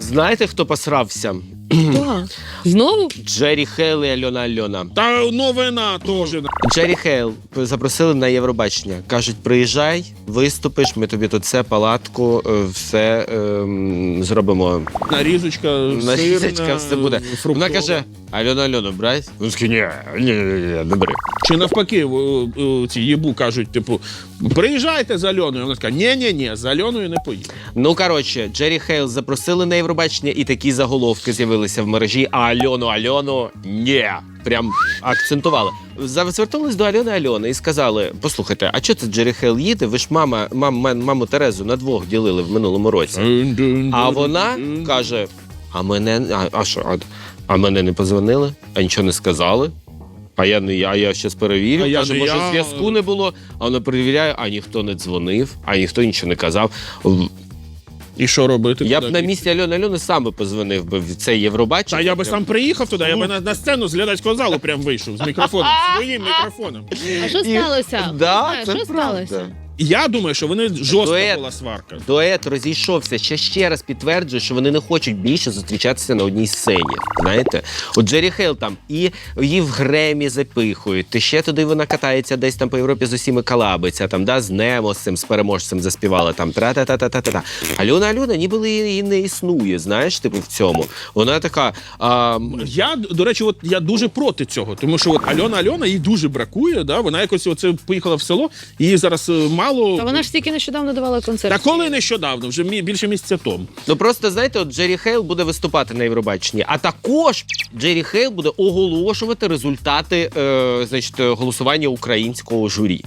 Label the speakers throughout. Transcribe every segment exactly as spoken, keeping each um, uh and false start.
Speaker 1: Знаєте, хто посрався?
Speaker 2: Да. Знову?
Speaker 1: Джері Хейл і Альона Альона.
Speaker 3: Та новина теж.
Speaker 1: Джері Хейл запросили на Євробачення. Кажуть, приїжджай, виступиш, ми тобі тут все, палатку, е, все ем, зробимо.
Speaker 3: Нарізочка,
Speaker 1: Нарізочка,
Speaker 3: сирна,
Speaker 1: все буде.
Speaker 3: фруктова.
Speaker 1: Вона каже, Альона Альону брать? Він такий, ні, ні, ні, ні, не бери.
Speaker 3: Чи навпаки, в- в- ці єбу кажуть, типу, приїжджайте з Альоною. Вона така, ні-ні-ні, з Альоною не поїду.
Speaker 1: Ну, коротше, Джері Хейл запросили на Євробачення, і такі заголовки з'явилися в мережі, а Альону Альону ні. Прям акцентували. Звернулись до Альони Альони і сказали, послухайте, а чого це Джері Хейл їде? Ви ж мама, мам, мам, маму Терезу на двох ділили в минулому році. А вона каже, а мене, а, а що, а, а мене не позвонили, а нічого не сказали. А я не я, а я щас перевірю.
Speaker 3: А я
Speaker 1: Каже,
Speaker 3: не
Speaker 1: може,
Speaker 3: я.
Speaker 1: зв'язку не було, а вона перевіряє, а ніхто не дзвонив, а ніхто нічого не казав.
Speaker 3: І що робити?
Speaker 1: Я б
Speaker 3: Куди
Speaker 1: на
Speaker 3: бігти?
Speaker 1: місці Альони Альони сам би позвонив би в цей Євробачення.
Speaker 3: Та я би сам приїхав туди, я би на, на сцену з глядацького залу прям вийшов з мікрофоном, своїм мікрофоном.
Speaker 2: А що
Speaker 1: І-
Speaker 2: сталося?
Speaker 1: Да,
Speaker 2: Знаєш,
Speaker 1: це
Speaker 2: що
Speaker 1: правда.
Speaker 2: сталося?
Speaker 3: Я думаю, що вони жорстка
Speaker 1: Дует.
Speaker 3: була сварка.
Speaker 1: Дует розійшовся, ще ще раз підтверджує, що вони не хочуть більше зустрічатися на одній сцені. Знаєте? От Джері Хейл там і її в Гремі запихують, ти ще туди вона катається десь там по Європі з усіми колабиться, там, да, з Немо, з цим, з переможцем заспівала, там, тра-та-та-та-та-та. Альона Альона ніби її не існує, знаєш, типу, в цьому. Вона така... А,
Speaker 3: Я, до речі, от я дуже проти цього, тому що от Альона Альона їй дуже бракує, да? Вона якось оце поїхала в село, її зараз е, мало.
Speaker 2: Та вона ж тільки нещодавно давала концерт.
Speaker 3: Та коли нещодавно, вже мі- більше місяця тому.
Speaker 1: Ну просто, знаєте, от Джері Хейл буде виступати на Євробаченні, а також Джері Хейл буде оголошувати результати е, значить, голосування українського журі.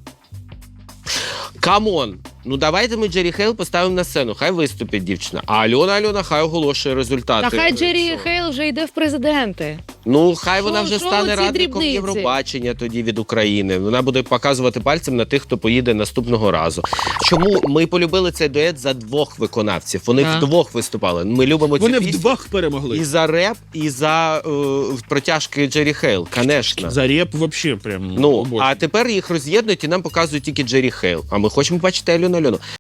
Speaker 1: Камон! Ну давайте ми Джері Хейл поставимо на сцену, хай виступить дівчина, а Альона Альона хай оголошує результати.
Speaker 2: Та хай
Speaker 1: е,
Speaker 2: Джері
Speaker 1: цього.
Speaker 2: Хейл вже йде в президенти.
Speaker 1: Ну, хай
Speaker 2: Що-
Speaker 1: вона вже
Speaker 2: що
Speaker 1: стане
Speaker 2: оці
Speaker 1: радником
Speaker 2: дрібниці?
Speaker 1: Євробачення тоді від України. Вона буде показувати пальцем на тих, хто поїде наступного разу. Чому ми полюбили цей дует за двох виконавців? Вони
Speaker 2: Так.
Speaker 1: вдвох виступали. Ми любимо цю
Speaker 3: Вони
Speaker 1: пісню.
Speaker 3: вдвох перемогли.
Speaker 1: І за реп, і за е, протяжки Джері Хейл, конечно.
Speaker 3: За реп взагалі прям.
Speaker 1: Ну,
Speaker 3: обожнюю.
Speaker 1: а тепер їх роз'єднують і нам показують тільки Джері Хейл. А ми хочемо бачити Альону Альону.